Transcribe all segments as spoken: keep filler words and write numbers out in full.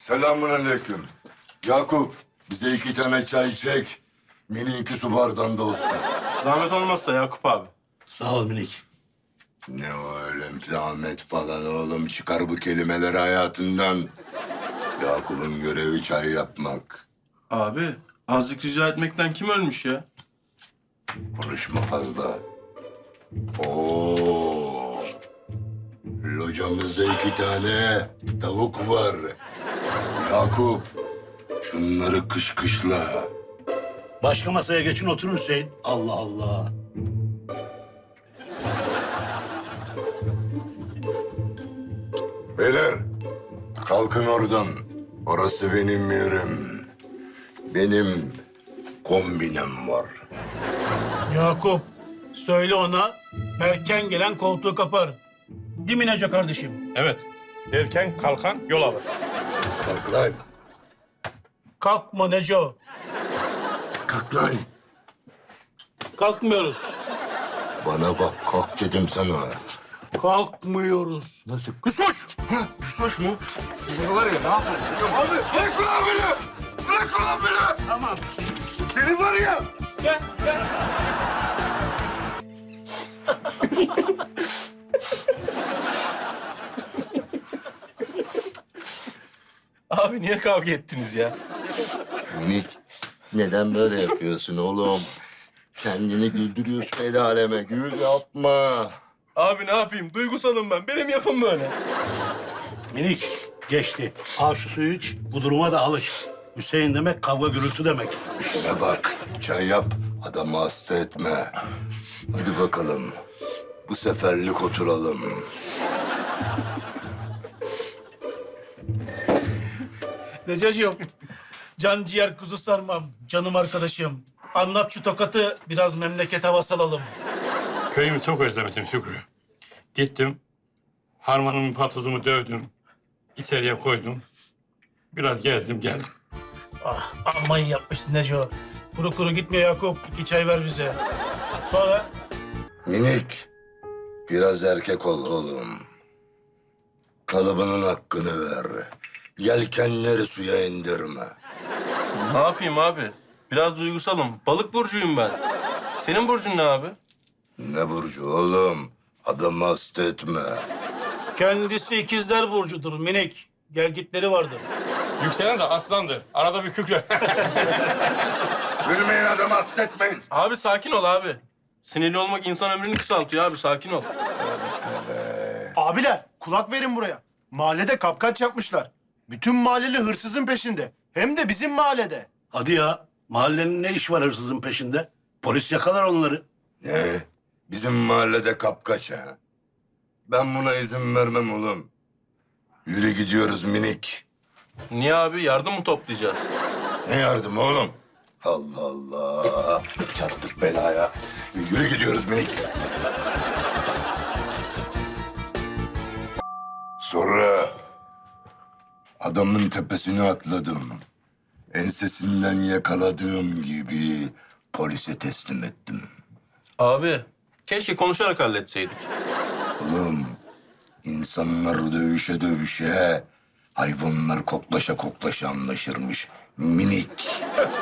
Selamünaleyküm. Yakup, bize iki tane çay çek. Mini iki su bardağında olsun. Zahmet olmazsa Yakup abi. Sağ ol minik. Ne o öyle zahmet falan oğlum. Çıkar bu kelimeleri hayatından. Yakup'un görevi çay yapmak. Abi azıcık rica etmekten kim ölmüş ya? Konuşma fazla. Oo. Locamızda iki tane tavuk var. Yakup, şunları kışkışla. Başka masaya geçin oturun Hüseyin. Allah Allah. Beyler, kalkın oradan. Orası benim yerim. Benim kombinem var. Yakup, söyle ona erken gelen koltuğu kapar. Değil mi Neco kardeşim? Evet. Erken kalkan yol alır. Kalk lan. Kalkma Neco. Kalk lan. Kalkmıyoruz. Bana bak, kalk dedim sana. Kalkmıyoruz. Nasıl? Kusuş! Ha, kusuş mu? Seni var ya, ne yapayım? Abi, bırak ulan beni! Bırak ulan beni! Tamam. Seni var ya! Gel, gel. Abi niye kavga ettiniz ya? Minik, neden böyle yapıyorsun oğlum? Kendini güldürüyorsun el aleme. Gül yapma. Abi ne yapayım? Duygusalım ben. Benim yapım böyle. Minik geçti. Al şu suyu iç. Bu duruma da alış. Hüseyin demek kavga gürültü demek. İşine bak, çay yap. Adamı hasta etme. Hadi bakalım. Bu seferlik oturalım. Necocuğum, can ciğer kuzu sarmam. Canım arkadaşım. Anlat şu tokatı, biraz memleket havası alalım. Köyümü çok özlemişim Şükrü. Gittim, harmanımın patozumu dövdüm, içeriye koydum. Biraz gezdim geldim. Ah, amma iyi yapmışsın Neco. Kuru kuru gitme Yakup. İki çay ver bize. Sonra Minik, biraz erkek ol oğlum. Kalıbının hakkını ver. Yelkenleri suya indirme. Ne yapayım abi? Biraz duygusalım. Balık burcuyum ben. Senin burcun ne abi? Ne burcu oğlum? Adamı hasta etme. kendisi ikizler burcudur minik. Gelgitleri vardır. Yükselen de aslandır. Arada bir kükre. Gülmeyin, adamı hasta etmeyin. Abi sakin ol abi. Sinirli olmak insan ömrünü kısaltıyor abi. Sakin ol. Abiler kulak verin buraya. Mahallede kapkaç yapmışlar. Bütün mahalleli hırsızın peşinde. Hem de bizim mahallede. Hadi ya. Mahallenin ne iş var hırsızın peşinde? Polis yakalar onları. Ne? Bizim mahallede kapkaç ha? Ben buna izin vermem oğlum. Yürü gidiyoruz minik. Niye abi? Yardım mı toplayacağız? Ne yardım oğlum? Allah Allah. Çattık belaya. Yürü gidiyoruz minik. Sonra adamın tepesine atladım. Ensesinden yakaladığım gibi polise teslim ettim. Abi keşke konuşarak halletseydik. Oğlum, insanlar dövüşe dövüşe, hayvanlar koklaşa koklaşa anlaşırmış. Minik.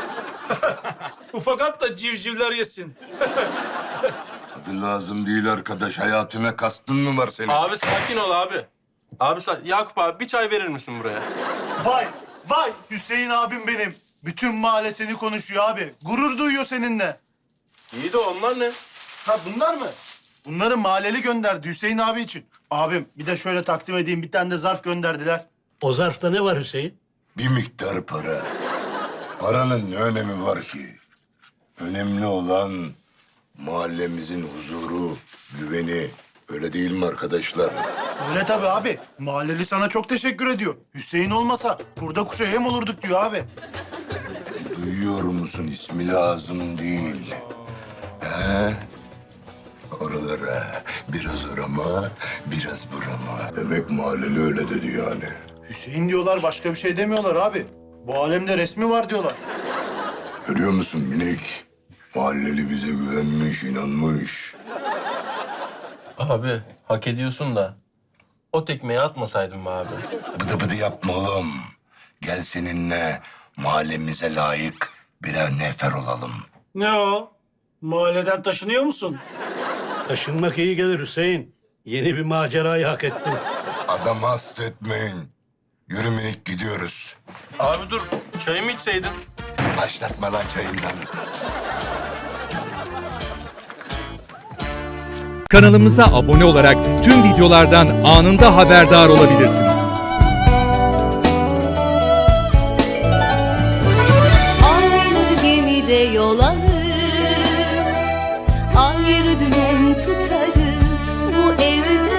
Ufak da civcivler yesin. Adı lazım değil arkadaş. Hayatına kastın mı var senin? Abi sakin ol abi. Abi sa- Yakup abi bir çay verir misin buraya? Vay vay Hüseyin abim benim. Bütün mahalle seni konuşuyor abi. Gurur duyuyor seninle. İyi de onlar ne? Ha bunlar mı? Bunları mahalleli gönderdi Hüseyin abi için. Abim bir de şöyle takdim edeyim, bir tane de zarf gönderdiler. O zarfta ne var Hüseyin? Bir miktar para. Paranın ne önemi var ki? Önemli olan mahallemizin huzuru, güveni. Öyle değil mi arkadaşlar? Öyle tabii abi. Mahalleli sana çok teşekkür ediyor. Hüseyin olmasa kurda kuşa yem olurduk diyor abi. Duyuyor musun? İsmi lazım değil. He? Oralara biraz orama, biraz burama. Demek mahalleli öyle dedi yani. Hüseyin diyorlar, başka bir şey demiyorlar abi. Bu alemde resmi var diyorlar. Görüyor musun minik? Mahalleli bize güvenmiş, inanmış. Abi hak ediyorsun da o tekmeyi atmasaydın mı abi? Bıdı bıdı yapma oğlum. Gel seninle mahallemize layık birer nefer olalım. Ne o? Mahalleden taşınıyor musun? Taşınmak iyi gelir Hüseyin. Yeni bir macerayı hak ettin. Adamı hasta etmeyin. Yürü minik gidiyoruz. Abi dur, çayımı içseydin. Başlatma lan çayından. Kanalımıza abone olarak tüm videolardan anında haberdar olabilirsiniz. Aynı gemide yol alır, ayrı dümen tutarız bu evde.